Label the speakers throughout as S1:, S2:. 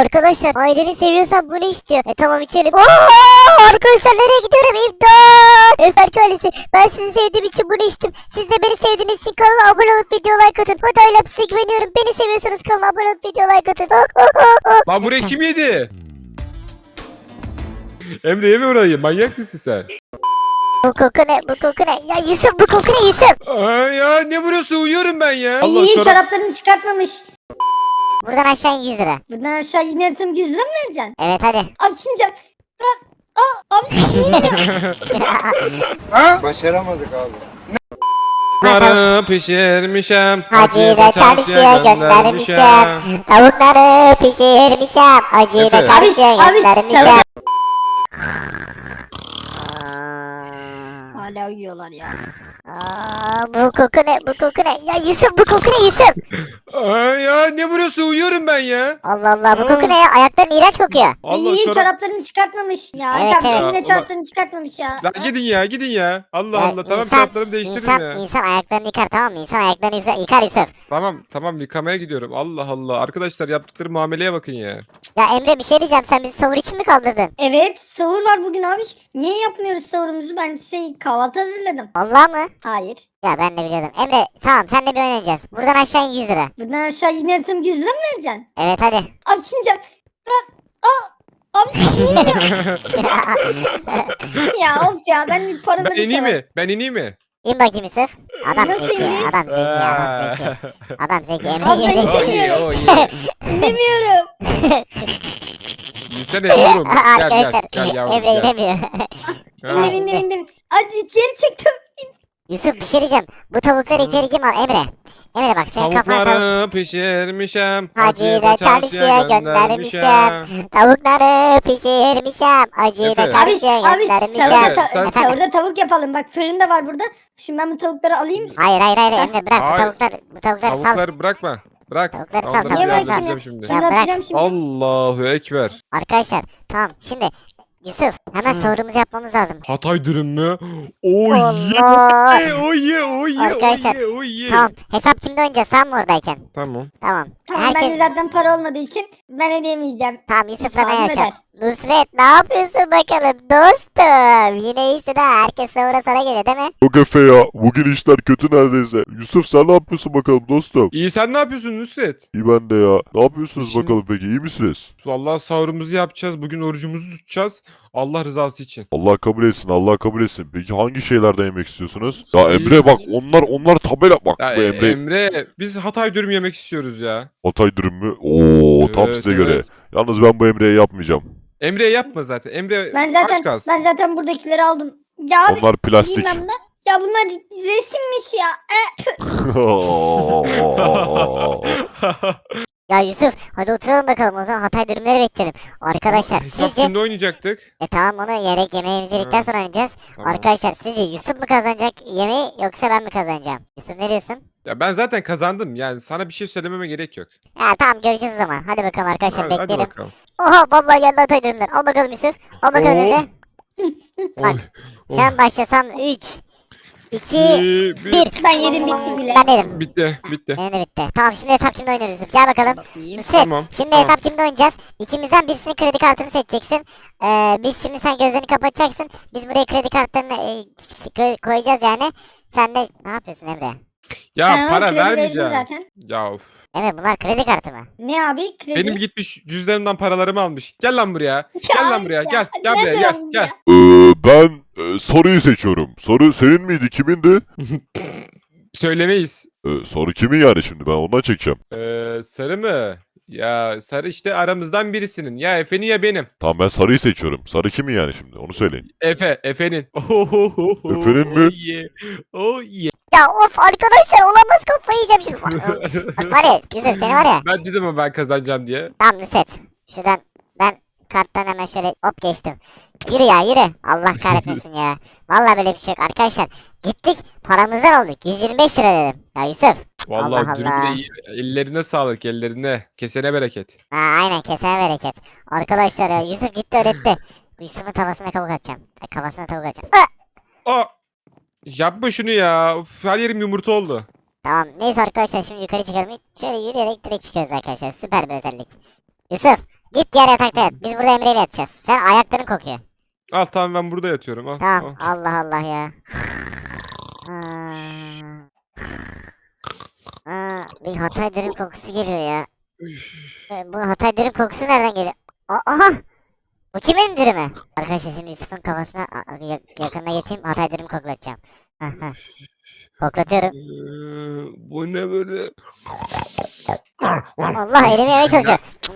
S1: arkadaşlar aileni seviyorsan bunu istiyor. Tamam içelim. Arkadaşlar nereye gidiyorum? İmdat. Efendim ailesi ben sizi sevdiğim için bunu içtim. Siz de beni sevdiğiniz için kanala abone olup video like atın. Hadi ailem size güveniyorum. Beni seviyorsanız kanala abone olup video like atın.
S2: Lan burayı kim yedi? Emre yeme orayı. Manyak mısın sen?
S1: Bu koku ne? Bu koku ne? Ya Yusuf bu koku ne Yusuf?
S2: Ay ya ne vuruyorsun? Uyuyorum ben ya.
S3: İyi
S2: çorap-
S3: çoraplarını çıkartmamış.
S1: Buradan aşağı in 100 lira.
S3: Buradan aşağı inersem 100 lira mı vereceksin?
S1: Evet hadi.
S3: Abi şimdi abi
S4: Başaramadık abi.
S2: Tavukları pişirmişim.
S1: Hacıyla çarşıya göndermişim. Tavukları pişirmişim. Hacıyla
S2: Efe.
S1: çarşıya
S3: Abi,
S1: göndermişim.
S3: hala uyuyorlar ya.
S1: Bu koku ne? Bu koku ne? Ya Yusuf bu koku ne Yusuf?
S2: Ay ya ne vuruyorsun? Uyuyorum ben ya.
S1: Allah Allah bu koku ne ya? Ayakların iğrenç kokuyor.
S3: İyi çoraplarını çıkartmamış. Ya
S1: Evet,
S3: evet,
S1: evet.
S3: yine çoraplarını çıkartmamış ya.
S2: Lan gidin ya gidin ya. Allah
S1: Ya
S2: Allah tamam
S1: insan-
S2: çoraplarımı değiştirin ya.
S1: İnsan ayaklarını yıkar tamam mı? İnsan ayaklarını yıkar Yusuf.
S2: Tamam yıkamaya gidiyorum. Allah Allah. Arkadaşlar yaptıkları muameleye bakın ya.
S1: Ya Emre bir şey diyeceğim sen bizi sahur için mi kaldırdın?
S3: Evet sahur var bugün abi. Niye yapmıyoruz sahurumuzu? Ben size kahvaltı hazırladım.
S1: Allah mı?
S3: Hayır.
S1: Ya ben de biliyordum. Emre tamam sen de bir oynayacağız. Buradan aşağı in 100 lira.
S3: Buradan aşağı inersem 100 lira mı vereceksin?
S1: Evet hadi.
S3: Abi şimdi abi ya of ya ben paraları
S2: Ben ineyim
S3: çalarım.
S2: mi? Ben ineyim mi?
S1: İn bakayım Yusuf. Adam
S3: Nasıl
S1: zeki.
S3: ineyim?
S1: Adam zeki. Adam zeki. Adam zeki. Emre
S3: Abi ben
S1: gibi
S2: Oh
S1: zeki.
S2: yeah oh yeah.
S3: İnemiyorum.
S2: İnsene yavrum. Gel
S1: Arkadaşlar
S2: gel yavrum
S1: Emre
S2: gel.
S1: inemiyor.
S2: Ha.
S3: İndim. Hadi geri çıktım.
S1: Yusuf bir şey diyeceğim. Bu tavukları içeri kim al? Emre. Emre bak senin kafana tavuk.
S2: Tavukları pişirmişim.
S1: Hacıyla çarşıya göndermişim. Tavukları pişirmişim. Hacıyla
S2: Efe.
S1: çarşıya
S3: Abi
S1: göndermişim.
S2: sen-
S3: sahurda tavuk yapalım. Bak fırın da var burada. Şimdi ben bu tavukları alayım.
S1: Hayır Emre bırak
S2: Hayır.
S1: bu tavukları sal.
S2: Tavukları bırakma. Bırak.
S1: Tavukları sal,
S2: Onları
S1: tavukları
S2: biraz
S1: sal.
S2: yapacağım şimdi.
S3: Şimdi
S1: bırak.
S3: atacağım şimdi.
S2: Allahu Ekber.
S1: Arkadaşlar tamam şimdi Yusuf hemen sahurumuzu yapmamız lazım.
S2: Hatay dürüm mü? Oh
S1: Allah.
S2: yeah. Oh yeah. Oh yeah.
S1: Arkadaşlar,
S2: Oh yeah. Oh yeah.
S1: Tamam hesap kimde oynayacağız sen mi oradayken?
S2: Tamam.
S1: Tamam.
S3: Tamam
S1: Herkes...
S3: bende zaten para olmadığı için ben ödeyemeyeceğim.
S1: Tamam Yusuf
S3: Hiç
S1: sana
S3: fark
S1: yapacak.
S3: eder.
S1: Nusret ne yapıyorsun bakalım dostum? Yine iyisin ha. Herkes sahura sana geliyor değil mi?
S5: Yok Efe ya. Bugün işler kötü neredeyse. Yusuf sen ne yapıyorsun bakalım dostum?
S2: İyi sen ne yapıyorsun Nusret?
S5: İyi ben de ya. Ne yapıyorsunuz
S2: Şimdi-
S5: bakalım peki? İyi misiniz?
S2: Vallahi sahurumuzu yapacağız. Bugün orucumuzu tutacağız. Allah rızası için.
S5: Allah kabul etsin. Allah kabul etsin. Peki hangi şeylerden yemek istiyorsunuz? Ya Emre bak onlar tabela bak
S2: Ya
S5: bu Emre.
S2: Emre biz Hatay dürüm yemek istiyoruz ya.
S5: Hatay dürüm mü? Oo tam
S2: Evet,
S5: size
S2: evet.
S5: göre. Yalnız ben bu Emre'ye yapmayacağım.
S2: Emre yapma zaten. Emre
S3: Ben
S2: aç
S3: zaten
S2: kalsın.
S3: buradakileri aldım. Ya abi
S5: Onlar plastik.
S3: bilmem ne. Ya bunlar resimmiş ya.
S1: Ya Yusuf hadi oturalım bakalım o zaman Hatay dürümleri bekleyelim. Arkadaşlar
S2: Hesap
S1: sizce...
S2: kimde oynayacaktık?
S1: Tamam onu yemeğimizi yedikten
S2: Ha.
S1: sonra oynayacağız.
S2: Tamam.
S1: Arkadaşlar sizce Yusuf mu kazanacak yemeği yoksa ben mi kazanacağım? Yusuf ne diyorsun?
S2: Ya ben zaten kazandım. Yani sana bir şey söylememe gerek yok.
S1: Ya tamam göreceğiz o zaman. Hadi bakalım arkadaşlar
S2: Hadi
S1: bekleyelim.
S2: bakalım.
S1: Oha vallahi geldi Hatay dürümler. Al bakalım Yusuf. Al bakalım
S2: Oo.
S1: Emre. Bak.
S2: Oy.
S1: Sen başlasam 3, 2,
S2: Bir.
S1: 1.
S3: Ben yedim bitti bile.
S1: Ben dedim.
S2: Bitti.
S1: Benim de bitti. Tamam şimdi hesap kimde oynuyoruz Yusuf? Gel bakalım. Nusret.
S2: Tamam,
S1: Şimdi
S2: tamam.
S1: hesap kimde oynayacağız? İkimizden birisinin kredi kartını seçeceksin. Biz şimdi sen gözlerini kapatacaksın. Biz buraya kredi kartlarını koyacağız yani. Sen de ne yapıyorsun Emre?
S2: Ya
S3: Ben ona
S2: para
S3: kredi verdim
S2: vermeyeceğim.
S3: zaten.
S2: Ya of.
S1: Emre bunlar kredi kartı mı?
S3: Ne abi kredi?
S2: Benim gitmiş cüzdanımdan paralarımı almış. Gel lan buraya. Gel lan buraya. Gel. Gel buraya.
S3: nereden
S2: Gel.
S3: aldın
S2: Gel.
S3: ya?
S5: Ben soruyu seçiyorum. Soru senin miydi? Kimindi?
S2: Söylemeyiz.
S5: Soru kimin yani şimdi? Ben ondan çekeceğim.
S2: Sarı mı? Ya sarı işte aramızdan birisinin. Ya Efe'nin ya benim.
S5: Tamam ben sarıyı seçiyorum. Sarı kimin yani şimdi? Onu söyleyin.
S2: Efe'nin.
S5: Efe'nin mi?
S2: Oh yeah. Oh yeah.
S1: Ya of arkadaşlar olamaz kafayı yiyeceğim şimdi. Bak var ya Yusuf seni var ya.
S2: Ben dedim ama ben kazanacağım diye.
S1: Tamam Nusret. Şuradan ben karttan hemen şöyle hop geçtim. Yürü ya yürü. Allah kahretmesin ya. Vallahi böyle bir şey yok arkadaşlar. Gittik paramızdan olduk. 125 lira dedim. Ya Yusuf.
S2: Vallahi
S1: Allah
S2: dürümüne
S1: Allah.
S2: iyi. Ellerine sağlık ellerine. Kesene bereket.
S1: Ha, aynen kesene bereket. Arkadaşlar ya Yusuf gitti öğretti. Yusuf'un tavasına tavuk atacağım. Kafasına tavuk atacağım.
S2: Aa! Yapma şunu ya. Uf, her yerim yumurta oldu.
S1: Tamam neyse arkadaşlar şimdi yukarı çıkalım. Şöyle yürüyerek direkt çıkıyoruz arkadaşlar. Süper bir özellik. Yusuf Git diğer yatakta yat. Biz burada Emre ile yatacağız. Sen ayakların kokuyor.
S2: Al tamam ben burada yatıyorum. Al.
S1: Tamam.
S2: al.
S1: Allah Allah ya. Bir Hatay dürüm kokusu geliyor ya. Bu Hatay dürüm kokusu nereden geliyor? Aha! Bu kimin dürümü? Arkadaşlar şimdi Yusuf'un kafasına yakınına geçeyim. Hatay dürüm koklatacağım. Koklatıyorum.
S2: Bu ne böyle?
S1: Allah elimi yemeye çalışıyor.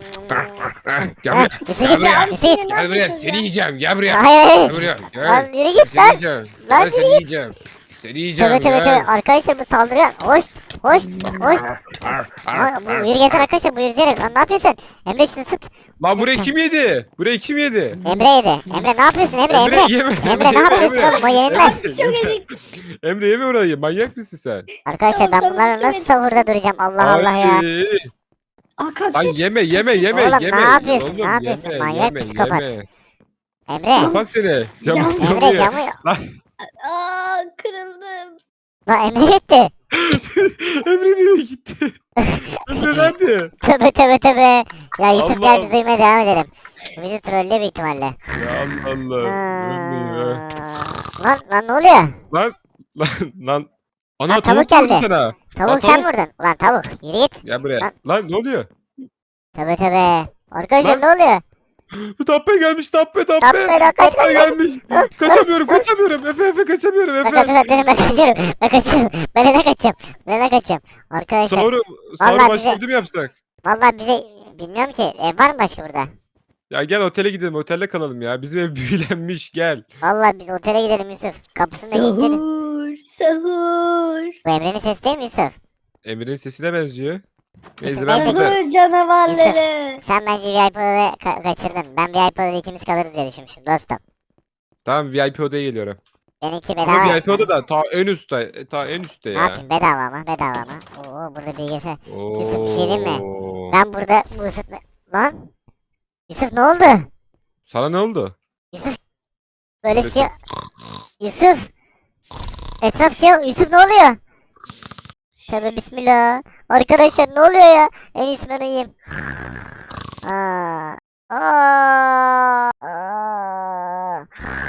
S2: Gel buraya.
S1: Yusuf
S2: Gel
S1: git.
S2: buraya.
S1: Yusuf git.
S2: Gel buraya. Seni yiyeceğim. Gel buraya.
S1: Hayır hayır.
S2: Gel buraya. Gel.
S1: Lan yürü git
S2: Seni
S1: lan.
S2: yiyeceğim.
S1: Lan
S2: Gel, seni yiyeceğim. Seni yiyeceğim.
S1: Tövbe tövbe
S2: gel.
S1: tövbe. Arkadaşlar bu saldırıyor. Hoş. Hoş. Hoş. Bu yürü gelsin arkadaşlar. Bu yürü. Lan ne yapıyorsun? Emre şunu tut.
S2: Lan burayı kim yedi? Burayı kim yedi?
S1: Emre yedi. Emre ne yapıyorsun Emre? Emre.
S2: yeme.
S1: Emre ne yapıyorsun oğlum? O yenilmez.
S3: Çok ezik.
S2: Emre yeme orayı. Manyak mısın sen?
S1: Arkadaşlar ben
S3: Tamam,
S1: bunlarla
S3: tamam,
S1: nasıl sahurda duracağım? Allah Allah ya.
S2: Ay.
S3: Aa
S2: Lan
S3: kaktüs.
S2: yeme yeme yeme
S1: Oğlum, ne
S2: yeme.
S1: yapıyorsun,
S2: Oğlum,
S1: ne yapıyorsun?
S2: yeme,
S1: Manyak
S2: yeme,
S1: psikopat.
S2: yeme.
S1: Emre.
S2: Kapat seni. Camı,
S3: Cam-
S1: Emre camı.
S3: Aa kırıldım.
S1: Lan Emre gitti.
S2: Emre nereye gitti? Emre nerede?
S1: Tövbe tövbe tövbe. Ya Yusuf
S2: Allah
S1: gel biz uyumaya devam edelim. Bu bizi trollüyor büyük ihtimalle.
S2: Ya Allah Allah. Emre ya.
S1: Lan ne oluyor?
S2: Lan lan lan. Ana
S1: Lan tavuk
S2: tavuk vurdu
S1: geldi.
S2: sana.
S1: Tavuk
S2: Lan
S1: sen vurdun. Ulan tavuk yürü git.
S2: Gel buraya.
S1: Lan.
S2: Lan ne oluyor?
S1: Tövbe tövbe. Arkadaşlar
S2: Lan.
S1: ne oluyor?
S2: Tappe gelmiş tappe tappe.
S1: Tappe lan, kaç, kaç, kaç.
S2: gelmiş. Kaçamıyorum. Efe kaçamıyorum
S1: Bak bak
S2: Efe.
S1: bak durun ben kaçıyorum. Ben kaçıyorum. Ben ne kaçacağım? Ben ne kaçacağım? Arkadaşlar
S2: Sahuru
S1: Vallahi
S2: başka
S1: bize-
S2: bir mi yapsak?
S1: vallahi bize bilmiyorum ki ev var mı başka burada?
S2: Ya gel otele gidelim. Otelde kalalım ya. Bizim ev büyülenmiş gel.
S1: Vallahi biz otele gidelim Yusuf. Kapısında kilitlenin.
S3: Sahur. Sahur.
S1: Bu Emre'nin sesi değil mi Yusuf?
S2: Emre'nin sesine benziyor.
S1: Neyse,
S2: Neyse ben
S1: neyse.
S2: burada.
S3: Sahur canavarları.
S1: Sen bence VIP odada kaçırdın. Ben VIP odada ikimiz kalırız diye düşünmüştüm dostum.
S2: Tamam VIP odaya geliyorum.
S1: Benimki
S2: Ama
S1: bedava.
S2: VIP oda da ta en üstte. Ta en üstte
S1: Ne
S2: ya.
S1: yapayım bedava ama bedava ama. Oo burada bilgisayar. Yusuf, bir şey diyeyim mi?
S2: Oo.
S1: Ben burada bu ısıtma... Lan? Yusuf ne oldu?
S2: Sana ne oldu?
S1: Yusuf böyle
S2: Yusuf.
S1: siyah... Yusuf! Etraf siyah. Yusuf ne oluyor? Tövbe bismillah. Arkadaşlar ne oluyor ya? En iyisi ben uyuyayım. Aa. Aa. Aa.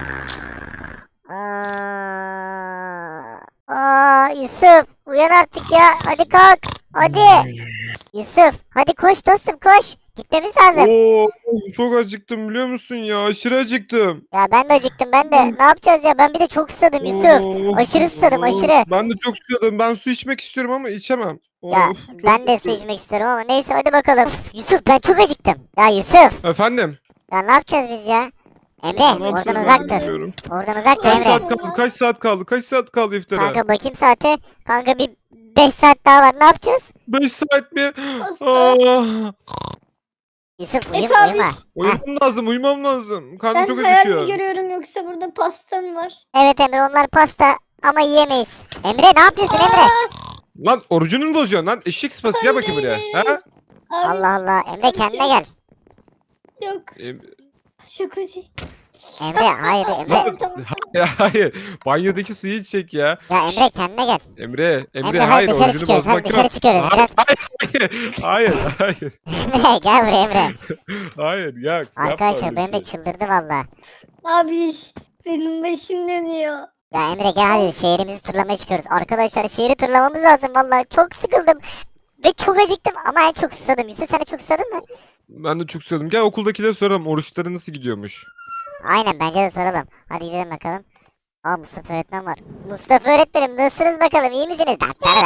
S1: Aa, Yusuf uyan artık ya. Hadi kalk. Hadi. Yusuf hadi koş dostum koş. Gitmemiz lazım.
S2: Oo, çok acıktım biliyor musun ya? Aşırı acıktım.
S1: Ya ben de acıktım ben de. Ne yapacağız ya? Ben bir de çok susadım Yusuf.
S2: Oo,
S1: Aşırı susadım,
S2: oo.
S1: aşırı.
S2: Ben de çok susadım. Ben su içmek istiyorum ama içemem.
S1: Ya
S2: Of, çok
S1: ben de su
S2: kötü.
S1: içmek istiyorum ama neyse hadi bakalım. Yusuf ben çok acıktım. Ya Yusuf
S2: Efendim?
S1: ya ne yapacağız biz ya? Emre
S2: Ne
S1: oradan
S2: yapacağız
S1: uzak
S2: ben
S1: dur.
S2: bilmiyorum.
S1: Oradan uzak dur
S2: Kaç
S1: Emre.
S2: saat kaldı? Kaç saat kaldı? Kaç saat kaldı iftara?
S1: Kanka bakayım saate. Kanka bir 5 saat daha var. Ne yapacağız?
S2: 5 saat mi?
S3: Hasta.
S2: Ah,
S1: Yusuf
S3: Efe abi,
S1: uyuma. Heh,
S2: uyumam lazım. Karnım
S3: Ben
S2: çok
S3: hayal
S2: acıkıyor.
S3: mi görüyorum yoksa burada pasta mı var?
S1: evet Emre onlar pasta ama yiyemeyiz. Emre ne yapıyorsun Emre?
S2: Lan orucunu mu bozuyorsun lan? Eşek sıpası ya bakayım buraya. Ha?
S3: Abi,
S1: Allah Allah. Emre kendine gel.
S3: Yok.
S2: Em-
S3: Şakacı.
S1: Emre hayır Emre.
S3: Tamam tamam.
S2: Ya hayır. Banyodaki suyu içecek ya.
S1: Ya Emre kendine gel.
S2: Emre
S1: Emre
S2: hayır
S1: hadi dışarı
S2: orucunu
S1: çıkıyoruz. Hadi
S2: bozmak
S1: dışarı
S2: yok.
S1: çıkıyoruz. Biraz
S2: Hayır.
S1: Emre gel buraya Emre.
S2: Hayır ya. yapma
S1: Arkadaşlar
S2: öyle
S1: benim de
S2: şey.
S1: çıldırdı valla.
S3: Abi benim başım dönüyor.
S1: Ya Emre gel hadi şehrimizi turlamaya çıkıyoruz. Arkadaşlar şehri turlamamız lazım valla. Çok sıkıldım. Ve çok acıktım ama en çok susadım. Yusuf sen de çok susadın mı?
S2: Ben de çok susadım. Gel okuldakilere soralım. Oruçları nasıl gidiyormuş?
S1: Aynen bence de soralım. Hadi gidelim bakalım. Aa Mustafa öğretmen var. Mustafa öğretmenim nasılsınız bakalım iyi misiniz?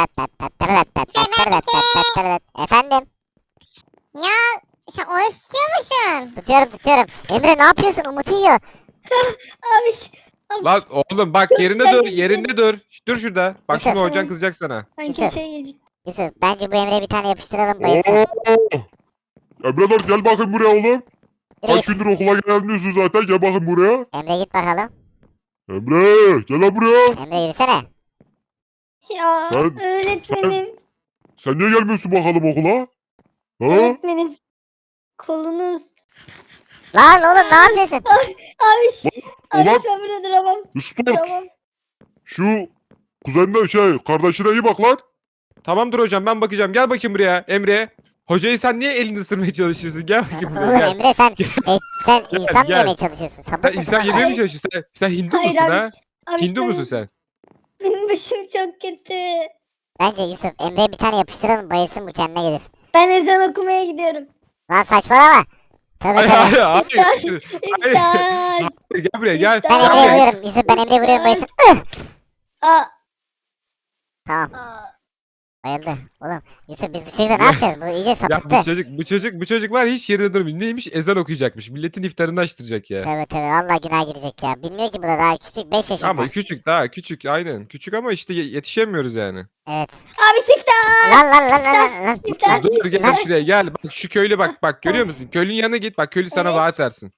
S1: Efendim?
S4: Ya sen oruç tutuyor musun?
S1: Tutuyorum. Emre ne yapıyorsun? Umut yiyor.
S3: Abi. Abi
S2: Lan oğlum bak
S3: Çok
S2: yerinde
S3: ben
S2: dur.
S3: yiyeceğim.
S2: Yerinde dur. Dur şurada. Bak
S1: Yusuf.
S2: şimdi hocan kızacak sana.
S3: ben
S1: Yusuf.
S3: köşeye yiyecek.
S1: Yusuf bence bu Emre'ye bir tane yapıştıralım bayılsın.
S5: Emre dur gel bakayım buraya oğlum.
S1: Yürü
S5: Kaç
S1: git.
S5: gündür okula gelmiyorsun zaten gel bakayım buraya.
S1: Emre git bakalım.
S5: Emre gel lan buraya.
S1: Emre yürüsene.
S3: Ya
S5: Sen-
S3: öğretmenim.
S5: Sen niye gelmiyorsun bakalım okula? Ha?
S3: Öğretmenim. Kolunuz.
S1: Lan oğlum ne yapıyorsun?
S3: Abi. Abi
S5: Ulan-
S3: ben burada duramam.
S5: Yusuf dur.
S3: Duramam.
S5: Şu kuzenine kardeşine iyi bak lan.
S2: Tamamdır hocam ben bakacağım. Gel bakayım buraya Emre. Hocayı sen niye elini ısırmaya çalışıyorsun? Gel bakayım buraya
S1: Oğlum
S2: gel.
S1: Emre sen insan mı
S2: gel.
S1: yemeye çalışıyorsun? Sapık
S2: Sen
S1: mısın?
S2: insan yemeye mi çalışıyorsun? Sen Hindu
S3: Hayır
S2: musun
S3: abi.
S2: ha?
S3: Abi
S2: Hindu musun sen?
S3: Benim başım çok kötü.
S1: Bence Yusuf Emre'ye bir tane yapıştıralım bayılsın bu kendine gelir.
S3: Ben ezan okumaya gidiyorum.
S1: Lan saçmalama. Tövbe
S2: Hayır
S1: tövbe.
S2: hayır hayır.
S3: İftar.
S2: Gel buraya gel.
S1: Ben
S3: İftar.
S1: Emre'ye
S2: Gel buraya.
S1: vuruyorum. Yusuf ben Emre'ye vuruyorum bayılsın.
S3: Aa,
S1: Tamam
S3: aa.
S1: bayıldı. Oğlum Yusuf biz bu şekilde ne yapacağız? Bu iyice
S2: Ya
S1: sapıttı.
S2: bu çocuk var hiç yerinde durmuyor. Neymiş? Ezan okuyacakmış. Milletin iftarını açtıracak ya.
S1: Tövbe tövbe valla günah girecek ya. Bilmiyor ki bu da daha küçük 5 yaşında.
S2: Ama küçük daha küçük aynen. Küçük ama işte yetişemiyoruz yani.
S1: Evet.
S3: Abi iftar.
S1: Lan.
S3: İftar.
S2: Dur gel şuraya gel. Bak şu köylü bak görüyor musun? Köylünün yanına git. Bak köylü sana
S3: Evet.
S2: vaat versin.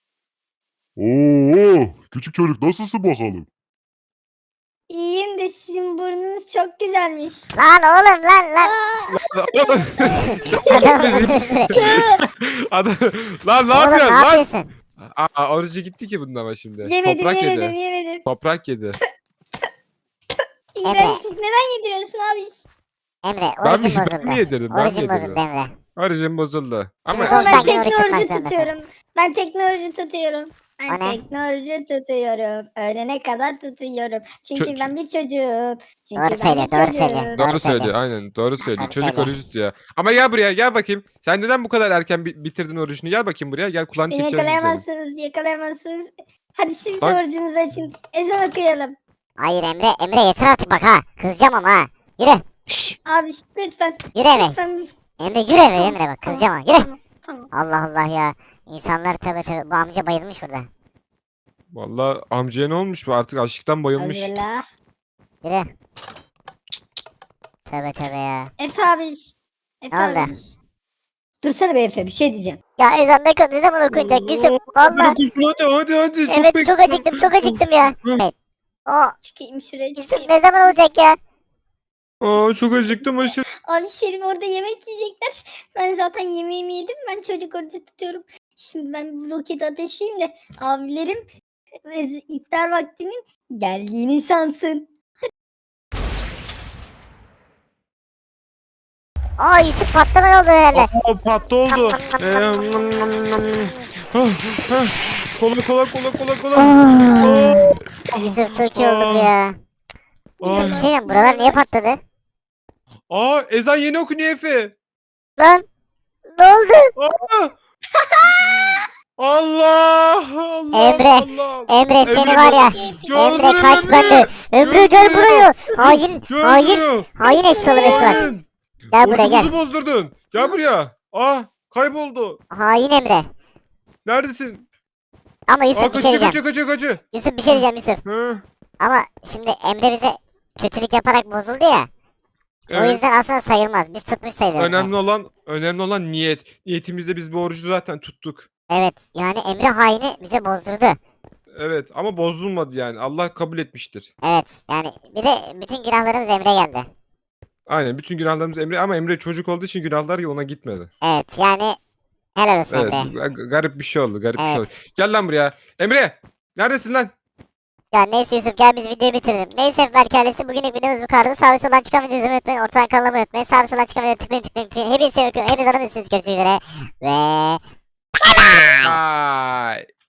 S5: Oo, küçük çocuk nasılsın bakalım?
S3: İyiyim de sizin burnunuz çok güzelmiş.
S1: Lan oğlum lan.
S2: Adam, lan ne
S1: Oğlum ne
S2: yapıyorsun lan?
S1: yapıyorsun?
S2: Aa, orucu gitti ki bunun ama şimdi.
S3: Yemedim
S2: Toprak
S3: yemedim
S2: yedi.
S3: yemedim.
S2: Toprak yedi.
S3: İğrenç. Neden yediriyorsun abi?
S1: Emre
S2: Ben mi,
S1: orucun
S2: ben mi
S1: bozuldu.
S2: yedirdim? Ben mi
S1: Orucun bozuldu
S2: yedirdim?
S1: Emre.
S2: Orucum bozuldu. Ama
S1: Şimdi
S3: Ama
S1: 90
S3: ben
S1: gün oruç tutmak
S3: teknoloji
S1: zorundasın.
S3: tutuyorum. Ben teknoloji tutuyorum.
S1: O
S3: Ben
S1: ne?
S3: teknoloji tutuyorum. Öğlene kadar tutuyorum. Çünkü
S2: Çö-
S3: ben bir çocuğum. Çünkü
S1: Doğru
S3: ben
S1: söyle,
S3: bir
S1: doğru
S3: çocuğum.
S1: söyle.
S2: doğru
S1: Doğru söyle.
S2: söylüyor aynen doğru söylüyor.
S1: Doğru
S2: Çocuk
S1: söyle.
S2: orucu tutuyor. Ama gel buraya gel bakayım. Sen neden bu kadar erken bitirdin orucunu? Gel bakayım buraya. Gel kulağını
S3: Beni
S2: çekeceğim senin.
S3: yakalayamazsınız, yakalayamazsınız. Hadi siz de
S2: Bak.
S3: orucunuzu açın. Ezan okuyalım.
S1: Hayır Emre yeter artık bak ha. Kızacağım ama ha. Yürü.
S3: Abi lütfen.
S1: Yürü eve.
S3: Lütfen.
S1: Emre yürü eve Emre bak kızacağım ha. Yürü.
S3: Tamam, tamam.
S1: Allah Allah ya. İnsanlar tövbe bu amca bayılmış burada.
S2: Vallahi amcaya ne olmuş bu? Artık açlıktan bayılmış.
S3: Hazırla.
S1: Yürü. Tövbe ya.
S3: Efe abi. Efe
S1: Ne oldu?
S3: abi. Dursana be Efe bir şey diyeceğim.
S1: Ya ezan ne zaman okunacak Yusuf? Valla.
S2: Hadi
S1: Evet çok acıktım ya. Evet. O
S3: Çıkayım şuraya
S1: Yusuf
S3: çıkayım.
S1: ne zaman olacak ya?
S2: Aa, çok acıktım aşırı.
S3: Abi Şirin orada yemek yiyecekler. Ben zaten yemeğimi yedim. Ben çocuk orucu tutuyorum. Şimdi ben bir roket ateşleyeyim de abilerim iftar vaktinin geldiğini sansın.
S1: Aa Yusuf patlama oldu herhalde.
S2: Aa, patlı oldu. Kola.
S1: Yusuf çok iyi oldu bu ya. Yusuf bir şey diyeyim buralar niye patladı?
S2: Aa, ezan yeni okunuyor Efe.
S1: Lan ne oldu?
S2: Aa! Allah
S1: Emre,
S2: Allah.
S1: Emre seni
S2: Emre,
S1: var ya.
S2: Gördüm
S1: Emre kaç bende. Emre gel
S2: Gördüm.
S1: buraya. Hain
S2: Gördüm.
S1: hain eşyalı meşgulat.
S2: Hain.
S1: Gel buraya gel.
S2: Orucumuzu bozdurdun. Gel buraya. Kayboldu.
S1: Hain Emre.
S2: Neredesin?
S1: Ama Yusuf bir şey diyeceğim.
S2: Kaçıyor.
S1: Yusuf bir şey diyeceğim Yusuf.
S2: Hı.
S1: Ama şimdi Emre bize kötülük yaparak bozuldu ya. O
S2: Evet.
S1: yüzden aslında sayılmaz. Biz tutmuş sayılırız.
S2: Önemli olan niyet. Niyetimizde biz bu orucu zaten tuttuk.
S1: Evet yani Emre haini bize bozdurdu.
S2: Evet ama bozulmadı yani. Allah kabul etmiştir.
S1: Evet yani bir de bütün günahlarımız Emre geldi.
S2: Aynen bütün günahlarımız Emre ama Emre çocuk olduğu için günahlar ya ona gitmedi.
S1: Evet yani helal olsun
S2: Evet
S1: Emre.
S2: garip bir şey oldu garip bir şey
S1: Evet.
S2: oldu. Gel lan buraya. Emre neredesin lan?
S1: Ya neyse Yusuf gel biz videoyu bitirelim. Neyse Berk ailesi bugünlük videomuz bu kadardı. Sağ ve soldan çıkan videoyu izlemeyi unutmayın. Ortadan kanalıma unutmayın. Sağ ve soldan çıkan videoyu tıklayın. Hepinizi seviyorum. Hepiniz adamı görüşmek üzere. Ve
S2: Bye.